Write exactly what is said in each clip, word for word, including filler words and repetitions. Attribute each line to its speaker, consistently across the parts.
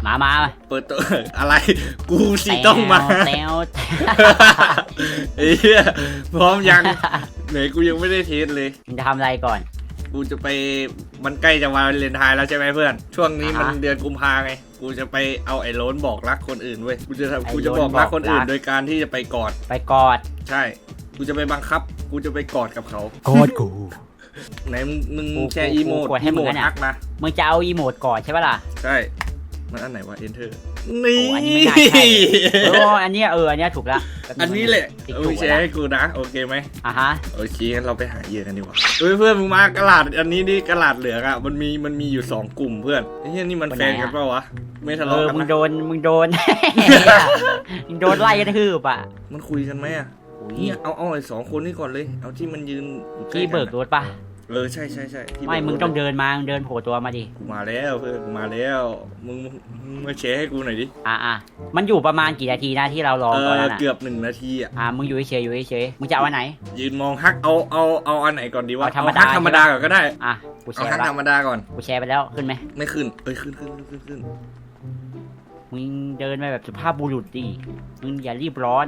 Speaker 1: มามา
Speaker 2: เปิดตัวอะไรกูสิต้องมา
Speaker 1: แตว
Speaker 2: เฮ้ยพร้อมยังไหนกูยังไม่ได้เทสเลย
Speaker 1: มึงจะทำอะไรก่อน
Speaker 2: กูจะไปมันใกล้จะวาเลนไทน์แล้วใช่ไหมเพื่อนช่วงนี้มันเดือนกุมภาไงกูจะไปเอาไอ้โล้นบอกรักคนอื่นเว้ยกูจะทำกูจะบอกรักคนอื่นโดยการที่จะไปกอด
Speaker 1: ไปกอด
Speaker 2: ใช่กูจะไปบังคับกูจะไปกอดกับเขา
Speaker 1: กอดกู
Speaker 2: ไหนมึงแชร์อีโมด
Speaker 1: ให้มึง
Speaker 2: ทักมา
Speaker 1: มึงจะเอาอีโมดกอดใช่ปะล่ะ
Speaker 2: ใช่มันอันไหนวะ enter นี่
Speaker 1: อันนี้ไม่น่าใช่โอ้อันนี้เอออันนี้ถูกแล้ว
Speaker 2: อันนี้แหละเอาแชร์ให้กูนะโอเคไหม
Speaker 1: อ่ะฮะ
Speaker 2: โอเคงั้นเราไปหาเหยื่อกันดีกว่าเฮ้ยเพื่อนมึงมากระดาษอันนี้นี่กระดาษเหลืองอ่ะมันมีมันมีอยู่สองกลุ่มเพื่อนไอ้เหี้ยนี่มันแฟนกันเปล่าวะไม่ทะเลาะกันนะ
Speaker 1: มึงโดนมึงโดนมึงโดนไล่กระทืบอ่ะ
Speaker 2: มันคุยกันไหมอ่ะเนี่ยเอาเอาไอ้สองคนนี้ก่อนเลยเอาที่มันยืน
Speaker 1: ที่เบิกรถปะ
Speaker 2: เออใช่ใช่ใช่
Speaker 1: ไม่มึงต้องเดินมาเดินโผล่ตัวมาดิ
Speaker 2: กูมาแล้วเพื่อนกูมาแล้วมึงมาแชร์ให้กูหน่อยดิ
Speaker 1: อ่ะอ่ะมันอยู่ประมาณกี่นาทีนะที่เรารอตอนนั้น
Speaker 2: เกือบหนึ่งนาทีอ่ะ
Speaker 1: อ่ะมึงอยู่เฉยอยู่เฉยมึงจะเอาอันไหน
Speaker 2: ยืนมองฮักเอาเอาเอาอันไหนก่อนดีวะ
Speaker 1: ธรรมดา
Speaker 2: ธรรมดาก่อนก็ได้
Speaker 1: อ่ะกูแชร์
Speaker 2: ฮักธรรมดาก่อน
Speaker 1: กูแชร์ไปแล้วขึ้นไหม
Speaker 2: ไม่ขึ้นเอ้ยขึ้นขึ้นขึ้นขึ้น
Speaker 1: มึงเดินไปแบบสุภาพบุรุษดิมึงอย่ารีบร้อน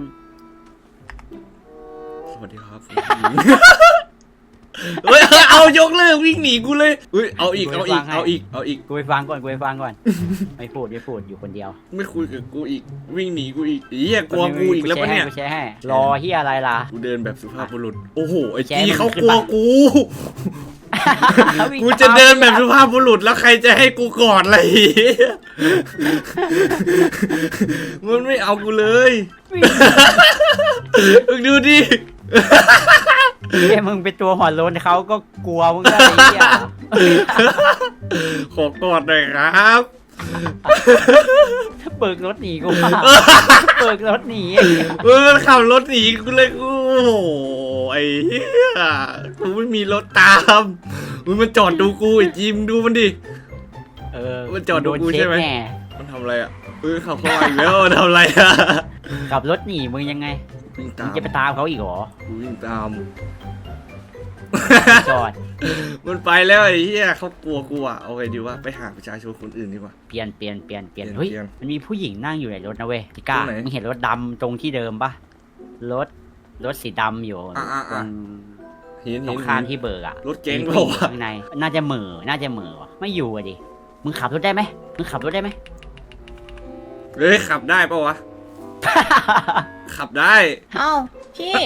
Speaker 2: สวัสดีครับเฮ้ยเอายกเลิกวิ่งหนีกูเลยเฮ้ยเอาอีกเอาอีกเอาอีกเอาอีก
Speaker 1: กูไปฟังก่อนกูไปฟังก่อนไม่พูดไม่พูดอยู่คนเดียว
Speaker 2: ไม่คุยกับกูอีกวิ่งหนีกูอีกเหี้ยกลัวกูอีกแล้วปะเนี่ย
Speaker 1: กูแชร์ให้รอเหี้ยอะไรล่ะ
Speaker 2: กูเดินแบบสุภาพบุรุษโอ้โหไอ้จีเขากลัวกูกูจะเดินแบบสุภาพบุรุษแล้วใครจะให้กูกอดอะไรมันไม่เอากูเลยมึงดูดิ
Speaker 1: เฮ้ยมึงเป็นตัวหัวโล้นเขาก็กลัวมึงก็ไอ้เหี้ย
Speaker 2: ขอกอดหน่อยครับ
Speaker 1: เปิดรถหนีกูมาเปิดรถหนี
Speaker 2: มันขับรถหนีกูเลยกูโอ้ไอ้เหี้ยกูไม่มีรถตามมันจอดดูกูไอ้จิมดูมันดิ
Speaker 1: เออ
Speaker 2: มันจอดดูกูใช่ไหมมันทำอะไรอ่ะเออขับเข้ามาอีกแล้วทำอะไรอ่ะ
Speaker 1: ขับรถหนีมึงยังไงมึงจะไปตามเขาอีกเหรอ
Speaker 2: วิ่งตาม
Speaker 1: จอด
Speaker 2: มันไปแล้วไอ้เหี้ยเขากลัวกูอ่ะเอาไงดีวะไปหาประชาชนคนอื่นดีกว่า
Speaker 1: เปลี่ยนเปลี่ยนเปลี่ยนเปลี่ยนเฮ้ยมันมีผู้หญิงนั่งอยู่ในรถนะเว้ยพี่ก้ามึงเห็นรถดำตรงที่เดิมปะรถรถสีดำอยู่ตรงตรงข้ามที่เบิกอะ
Speaker 2: รถเก๋งเปล่า
Speaker 1: ข้างในน่าจะเหม่อน่าจะเหม่อไม่อยู่อะดิมึงขับรถได้ไหมมึงขับรถได้ไหม
Speaker 2: เฮ้ยขับได้ปะวะขับได้
Speaker 3: เอ้าพี่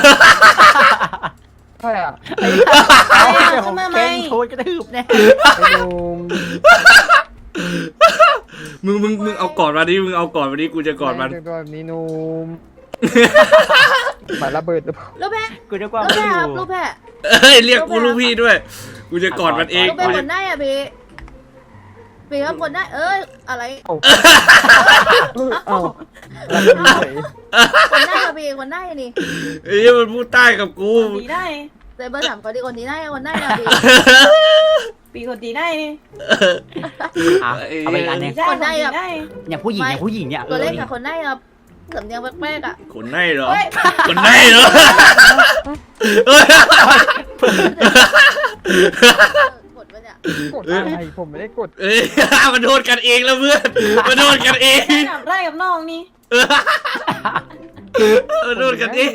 Speaker 1: ใช่อ่ะไอ้ของแกงโทษกระทืบแน่
Speaker 2: มึงมึงมึงเอากอดมาดิมึงเอากอดมาดิกูจะกอดมัน
Speaker 4: ตัวแบบนี้นุ่มหมายระเบิดหรือเปล่า
Speaker 3: ลูกแพะ
Speaker 1: กูจะกอด
Speaker 3: ลูกแพะลูกแพะ
Speaker 2: เอ้ยเรียกกูลูกพี่ด้วยกูจะกอดมันเอง
Speaker 3: ลูกแพะคนได้อ่ะพี่พี่ครับคนได้เอ้ยอะไรคนได้อะพี่คนได้นี่
Speaker 2: เอ้ยมันพูดใต้กับกู
Speaker 3: คนดีได้แต่เบอร์สามคนดีคนดีได้คนได้อะพี่ปีคนดีได้นี่
Speaker 1: เอาไปกันเนี่ย
Speaker 3: คนได้อะ
Speaker 1: เนี่ยผู้หญิงเนี่ยผู้หญิงเนี่ย
Speaker 3: ตัวเล็กกับคนได้อะสำเนียงแปลกๆอะ
Speaker 2: คนได้เหรอคนได้เหรอก
Speaker 4: ดอะไรผมไม่ได้กด
Speaker 2: เอ้ยมันโดนกันเองแล้วเพื่อนมันโดนกันเอง
Speaker 3: ไล่กับน้องนี่
Speaker 2: มันโดนกันเอง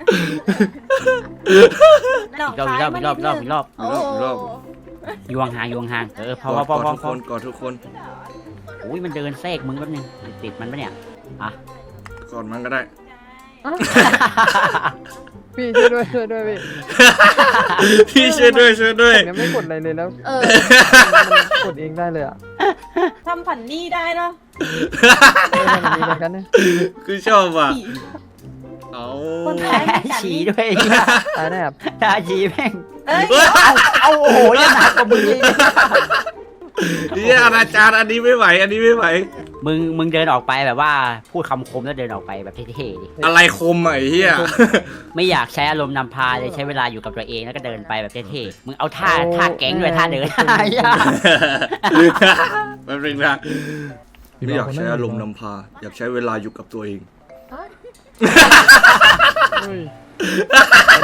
Speaker 1: รอบรอบรอบรอบรอบ
Speaker 2: รอบ
Speaker 1: ยวงห่างยวงห่างเออพอพอพอพอก
Speaker 2: อดทุกคน
Speaker 1: อุ้ยมันเดินแทรกมึงแป๊บนึงติดมันปะเนี่ยอ่ะ
Speaker 2: กอดมันก็ได้
Speaker 4: พี่ช่วยด้วยช่วยด้วยพี่
Speaker 2: พี่ช่วยด้วยช่วยด้วย
Speaker 4: ยังไม่กดอะไรเลยแล้วเออกดเองได้เลยอ่ะ
Speaker 3: ทำผันนี่ได้เนาะ
Speaker 2: คือชอบอ่ะเอา
Speaker 1: ฉี่ด้วย
Speaker 4: ตายแน่ครับ
Speaker 1: ตาฉี่แม่งเอาโอ้โหยังหนักกว่ามึงเลย
Speaker 2: นี่อาจารย์อันนี้ไม่ไหวอันนี้ไม่ไหว
Speaker 1: มึงมึงเดินออกไปแบบว่าพูดคำคมแล้วเดินออกไปแบบเท่ๆดิ
Speaker 2: อะไรคมไอ้เหี้ย
Speaker 1: ไม่อยากใช้อารมณ์นำพาเลยใช้เวลาอยู่กับตัวเองแล้วก็เดินไปแบบเท่ๆมึงเอาท่าท่าแก๊งด้วยท่าเดิน
Speaker 2: มันเป็นนะไม่อยากใช้อารมณ์นำพาอยากใช้เวลาอยู่กับตัวเอง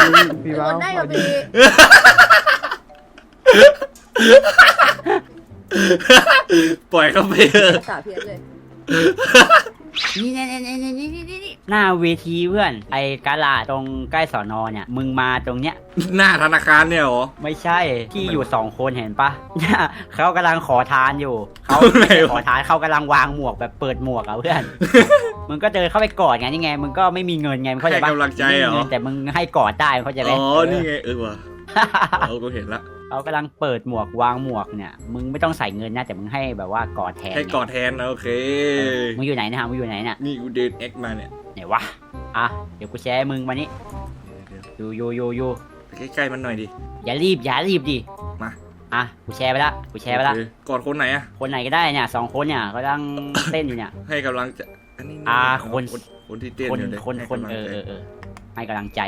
Speaker 3: คนได้กับพี่
Speaker 2: ปล่อยเขาไปเถอะ
Speaker 3: สาเพียรเลย
Speaker 1: นี่นี่นี่นี่นี่นี่นี่หน้าเวทีเพื่อนไอ้กาลาตรงใกล้สอนอเนี่ยมึงมาตรงเนี้ย
Speaker 2: หน้าธนาคารเนี่ยเหรอ
Speaker 1: ไม่ใช่ที่อยู่สองคนเห็นปะเนี่ยเขากำลังขอทานอยู่เขา
Speaker 2: ไหนวะ
Speaker 1: ขอทานเขากำลังวางหมวกแบบเปิดหมวกอะเพื่อน มึงก็เดินเข้าไปกอดไงนี่ไงมึงก็ไม่มีเงินไงมึงเข้าใจ
Speaker 2: ให้
Speaker 1: ปะ
Speaker 2: กำลังใจเหรอ
Speaker 1: ไม่มีงินแต่มึงให้กอดได้มึงเข้าใจไหม
Speaker 2: อ๋อนี่ไงเออว่ะเออกูเห็นละ
Speaker 1: เขากำลังเปิดหมวกวางหมวกเนี่ยมึงไม่ต้องใส่เงินนะแต่มึงให้แบบว่ากอดแทน
Speaker 2: ให้กอดแทนนะโอเค
Speaker 1: มึงอยู่ไหนนะฮะมึงอยู่ไหนเนี่ย
Speaker 2: นี่กูเดินเอ็กมาเนี่ย
Speaker 1: ไหนวะอ่ะเดี๋ยวกูแชร์ให้มึงมานี่อยู่อยู่อยู่อยู่
Speaker 2: ไปใกล้ๆมันหน่อยดิ
Speaker 1: อย่ารีบอย่ารีบดิ
Speaker 2: มา
Speaker 1: อ่ะกูแชร์ไปละกูแชร์ไปละ
Speaker 2: โอเคกอดคนไหนอะ
Speaker 1: คนไหนก็ได้เนี่ยสองคนเนี่ยกำลังเต้นอยู่เนี่ย
Speaker 2: ให้กำลังใจอันนี้
Speaker 1: อ่าคน
Speaker 2: คนที่เต้น
Speaker 1: คน
Speaker 2: อยู่เลย
Speaker 1: คน
Speaker 2: ให้
Speaker 1: คน
Speaker 2: กำลัง
Speaker 1: เออ
Speaker 2: ใจ
Speaker 1: เออเออให้กำลังใจ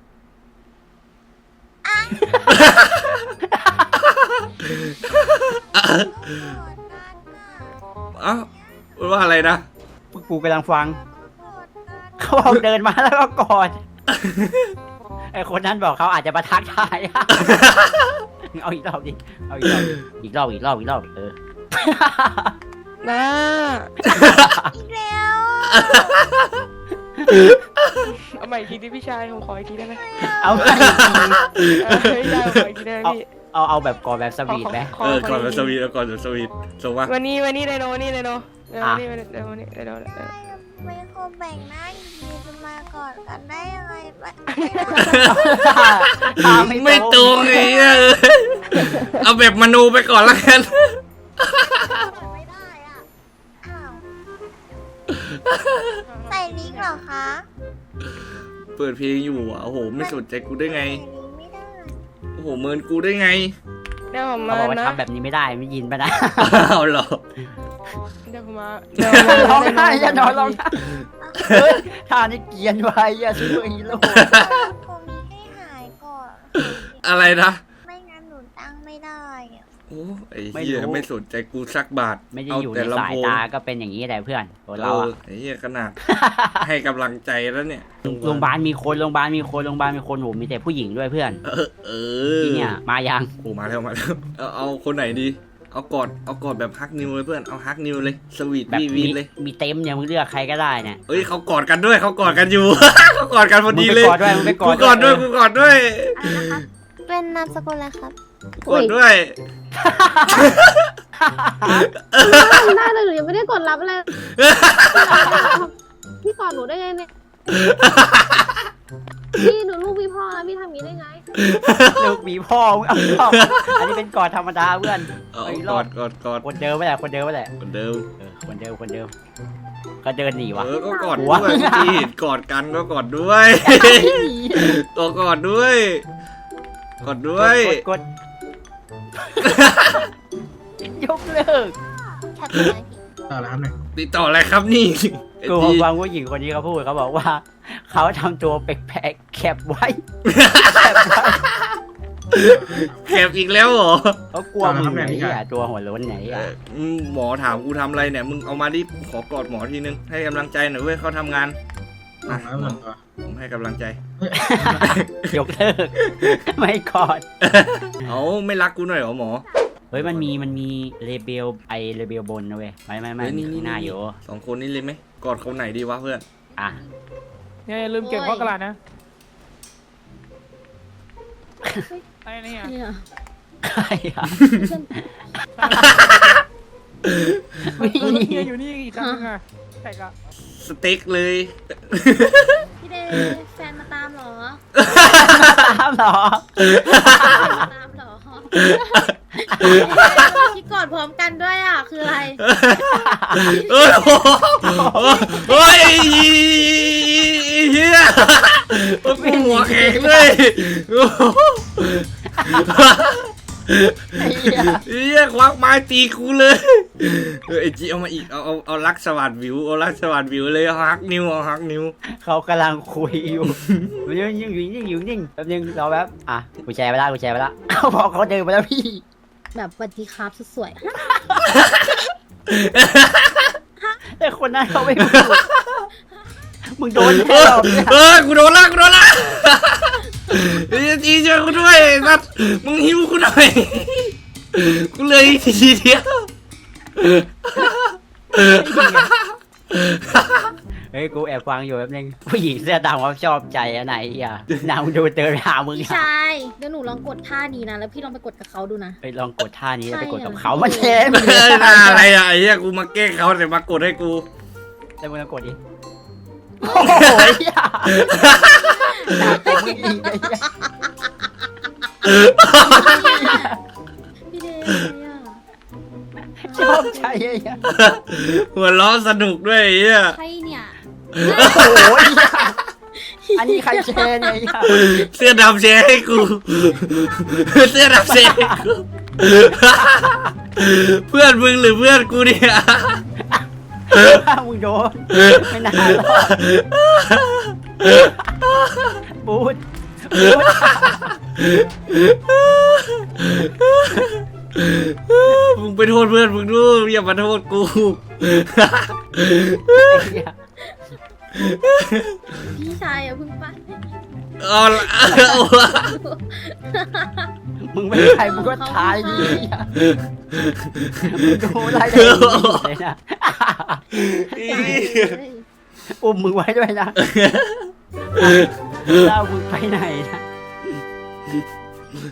Speaker 2: เอ้าว่าอะไรนะ
Speaker 1: พวกกูกำลังฟัง เขาบอกเดินมาแล้วก็กอด ไอคนนั้นบอกเขาอาจจะมาทักทาย เอาอีกรอบดิเอาอีกรอบอีกรอบอีกรอบอีกรอบเออ
Speaker 4: นะ
Speaker 3: อีกแล้ว
Speaker 4: เอาใหม่อีกทีดิพี่ชายผมขออีกทีได้ไหม
Speaker 1: เอาไป
Speaker 4: เออพี่ชายผมขออีกทีได้ไหมพี่
Speaker 1: เอาเอาแบบกอดแบบสวีทไหม
Speaker 2: เออก่อนแบบสวีทแล้วก่อนแบบสวีทส่งมา
Speaker 4: วันนี้วันนี้ไดโนวันนี้ไดโนเออวันนี้ไดโนวันนี้ไดโนเออ
Speaker 5: ไม่คงแบ่งหน้าดีๆจะมาก่อนกันได้ยังไงไม่
Speaker 2: ไม่ตรงไอ้เหี้ยเออเอาแบบมโนไปก่อนละกัน
Speaker 5: ไม่ได้อ่ะอ้าวใส่ลิงก์เหรอคะ
Speaker 2: เปิดเพลงอยู่อ่ะโอ้โหไม่สนใจกูได้ไง
Speaker 5: ใส่ลิงก์ไม่ได้
Speaker 2: โอ้โหเมินกูได้ไง
Speaker 4: เดี๋ยวผม
Speaker 1: เขา
Speaker 4: มา
Speaker 1: บอกว่า
Speaker 4: นะ
Speaker 1: ทำแบบนี้ไม่ได้ไม่ยินปะนะ
Speaker 2: เอาเหรอ
Speaker 4: เดี๋ยวผมมา
Speaker 1: ร้องไห้อย่านอนร้องไห้เฮ้ยท่านี้เกรียนไว้อย่าซูเปอร์ฮีโร่
Speaker 5: คงมีให้หายก่อน
Speaker 2: อะไรนะ
Speaker 5: ไม่งั้นหนูตั้งไม่ได้อะ
Speaker 2: โอ้ไอ้เหี้ยไม่สนใจกูสักบาท
Speaker 1: ไม่ได้
Speaker 2: เอา
Speaker 1: อยู่ใน
Speaker 2: แต่
Speaker 1: สา
Speaker 2: ลำ
Speaker 1: ย
Speaker 2: โพง
Speaker 1: ตาก็เป็นอย่างนี้แหละเพื่อนตัว
Speaker 2: เอ
Speaker 1: เรา
Speaker 2: อ
Speaker 1: อะ
Speaker 2: ไอ้เหี้ยขนาด ให้กำลังใจแล้วเนี่ย
Speaker 1: โรงพยาบาลมีคนโรงพยาบาลมีคนโรงพยาบาลมีคนโหมีแต่ผู้หญิงด้วยเพื่อน
Speaker 2: เออเออ
Speaker 1: ที่เนี่ยมายัง
Speaker 2: โอ้มาแล้วมาแล้วเอาเอาคนไหนดี เอากอดเอากอดแบบฮักนิวเลยเพื่อนเอาฮักนิวเลยสวีท
Speaker 1: แบบ
Speaker 2: วี
Speaker 1: มี
Speaker 2: วีเลย
Speaker 1: มีเต็มเนี่ยมึงเลือกใครก็ได้เนี่ย
Speaker 2: เอ้ยเขากอดกันด้วยเขากอดกันอยู่ เขากอดกันพอดีเลย
Speaker 1: มึงไปกอดด้วยมึงไปก
Speaker 2: กู
Speaker 1: อด
Speaker 2: กอดด้วยกูกอดด้วย
Speaker 5: อะไรนะคะเป็นนามสกุลอะไรครับ
Speaker 2: กอดด้วย
Speaker 3: ได้เลยหนูยังไม่ได้กดรับเลยพี่กอดหนูได้ไงเนี่ยพี่หนูลูกพี่พ่อนะพี่ทำอย่างนี้ได้ไง
Speaker 1: ลูกหมีพ่อมึงเอารอบอันนี้เป็นกอดธรรมดาเพื่อน
Speaker 2: เอา
Speaker 1: ไอ้ร
Speaker 2: ก
Speaker 1: อ
Speaker 2: อ
Speaker 1: ด
Speaker 2: ดกอดกอด
Speaker 1: คนเดิมไม่แหละคนเดิมไม่แหละ
Speaker 2: เหมือนเดิม
Speaker 1: เออคนเดิมคนเดิมก็เดินหนีวะ
Speaker 2: เออก็กอด
Speaker 1: หั
Speaker 2: ด้
Speaker 1: ว
Speaker 2: วยเมื่อกี้เห็นกอดกันก็กอดด้วยก็กอดด้วยกอดด้วย
Speaker 1: กดกดยกเลิก
Speaker 5: แคปเลยพี่
Speaker 6: ต่อแล้วครับเนี่ย
Speaker 2: ติดต่ออะไรครับนี่ไอ้
Speaker 1: กู
Speaker 2: ที่
Speaker 1: ฟังผู้หญิงคนนี้เขาพูดเขาบอกว่าเขาทำตัวแปลกๆแคบไว้แคบไว้
Speaker 2: แคบอีกแล้วเหรอ
Speaker 1: เขากลัวมึงไหนอ่ะตัวหัวโล้นไหน
Speaker 2: เอ
Speaker 1: อ่ะ
Speaker 2: ออืมหมอถามกูทำอะไรเนี่ยมึงเอามาดิกูขอกอดหมอทีนึงให้กำลังใจหน่อยเว้ยเขาทำงาน
Speaker 6: ต่อ
Speaker 2: มา
Speaker 6: แล้วหมดตัว
Speaker 2: ผมให้กำลังใจ
Speaker 1: ยกเลิกไม่กอด
Speaker 2: เอาไม่รักกูหน่อยเหรอหมอ
Speaker 1: เฮ้ยมันมีมันมีเลเบลไอเลเบลบนนะเว้ยไม่ไม่ไม่
Speaker 2: เฮ้ย
Speaker 1: มีข้างหน้าอยู่
Speaker 2: สองคนนี้เลยไหมกอดคนไหนดีวะเพื่อน
Speaker 1: อ่ะ
Speaker 4: เนี่ยอย่าลืมเก็บข้อกระดาษนะไอ้นี่อ่ะ
Speaker 3: เนี่ย
Speaker 1: ใครอ่ะ
Speaker 4: ไม่มีอยู่นี่อีกครั้งนึงอ่ะแต่ก็
Speaker 2: สเต็กเลย
Speaker 3: พี่เดแฟนมาตามเหรอ
Speaker 1: ตามเหรอ
Speaker 3: มาตามเหรอที่กอดพร้อมกันด้วยอ่ะคืออะไร
Speaker 2: เอ้ยโอ้โหโอ้ยเฮียโอ้ยกูหัวแข็งเลยโอ้โห
Speaker 1: ไอ้เหี้ย
Speaker 2: เฮียควักไม้ตีกูเลยเออไอจีเอามาอีกเอาเอาเอาลักสวัสดวิวเอาลักสวัสดวิวเลยเอาฮักนิ้วเอาฮักนิ้ว
Speaker 1: เขากำลังคุยอยู่ยิ่งยิ่งอยู่ยิ่งอยู่ยิ่งแป๊บนึงรอแป๊บอ่ะกูแชร์ไปละกูแชร์ไปละเขาบอกเขาเดินไปแล้วพี่
Speaker 3: แบบสวัสดีครับสุดสวย
Speaker 1: แต่คนนั้นเขาไม่พูดมึงโดนแน่
Speaker 2: เออ
Speaker 1: รอบเนี่ย
Speaker 2: เออกูโดนละกูโดนละไอ้จีช่วยกูด้วยนัดมึงหิวกูหน่อยกูเลยทีเดียว
Speaker 1: เฮ้ยกูแอบฟังอยู่แป๊บนึงผู้หญิงเสื้อดำเขาชอบใจอะไหนอ่ะนางดูเตือนหามึง
Speaker 3: พี่
Speaker 1: อะ
Speaker 3: ชายเดี๋ยวหนูลองกดท่านี้นะแล้วพี่ลองไปกดกับเขาดูนะ
Speaker 1: ไปลองกดท่านี้แล้วไปกดกับ
Speaker 3: ใช่
Speaker 1: เขามาเทม
Speaker 2: เอ้ยน่าอะไรอ่ะไอ้เหี้ยกูมาแกล้งเขาแต่มากดให้กู
Speaker 1: แล้วมึงลองกดดิโอ้โหอย่าหนักกว่ามึงอีกไอ้เหี้ย
Speaker 3: พี่เดย์อะ
Speaker 1: ชอบใจไอ้เหี้ย
Speaker 2: หัวล้อสนุกด้วยไอ้เหี้ย
Speaker 3: ใครเนี่ย
Speaker 1: โอ้โหอย่าอันนี้ใครแชร์เนี่ยไอ้เหี้ย
Speaker 2: เสื้อดำแชร์ให้กู เสื้อดำแชร์ให้กู เพื่อนมึงหรือเพื่อนกูเนี่ย
Speaker 1: มึงโดนไม่น่ารอดบูดบูด
Speaker 2: มึงไปโทษเพื่อนมึงดูอย่ามาโทษกู
Speaker 1: ไอ้เหี้ย
Speaker 3: พี่ชายอะเพิ่งไป
Speaker 2: เอาละเอาละ
Speaker 1: มึงไม่ใครมึงก็ทายดีอ่ะมึงดูอะไรได้เลยนะอุ้มมึงไว้ด้วยนะเล่ามึงไปไหนนะ